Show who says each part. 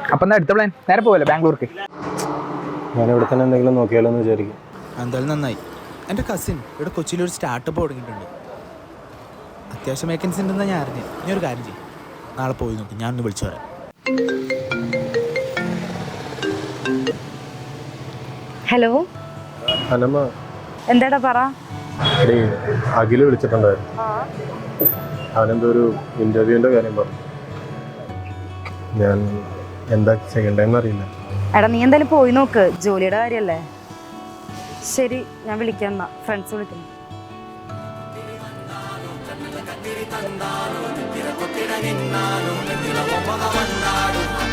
Speaker 1: അപ്പം എന്താ അടുത്ത പ്ലാൻ? നേരെ പോവല്ലോ ബാംഗ്ലൂർക്ക്?
Speaker 2: ഞാൻ ഇവിടെ തന്നെ എന്തെങ്കിലും നോക്കിയാലോ എന്ന് വിചാരിക്കും.
Speaker 3: എന്തായാലും നന്നായി. എൻ്റെ കസിൻ ഇവിടെ കൊച്ചിയിൽ ഒരു സ്റ്റാർട്ടപ്പ് തുടങ്ങിയിട്ടുണ്ട്. അത്യാവശ്യം വേക്കൻസി ഉണ്ടെന്നാണ് ഞാൻ അറിഞ്ഞത്. ഇനി ഒരു കാര്യം ചെയ്യും, നാളെ പോയി നോക്കി, ഞാനൊന്ന് വിളിച്ചു പറയാം.
Speaker 4: ഹലോ
Speaker 2: അനമ്മ,
Speaker 4: എന്താടാ പറ.
Speaker 2: എടീ, അഖില് വിളിച്ചിട്ടുണ്ടായിരുന്നു. അവനെന്തോ ഒരു ഇന്റർവ്യൂവിന്റെ കാര്യം പറഞ്ഞു. ഞാൻ എന്താ ചെയ്യണ്ടെന്ന് അറിയില്ല.
Speaker 4: എടാ നീ എന്തായാലും പോയി നോക്ക്, ജോലിയുടെ കാര്യല്ലേ. ശരി, ഞാൻ വിളിക്കാം എന്നാ, ഫ്രണ്ട്സ് വിളിക്കുന്നു.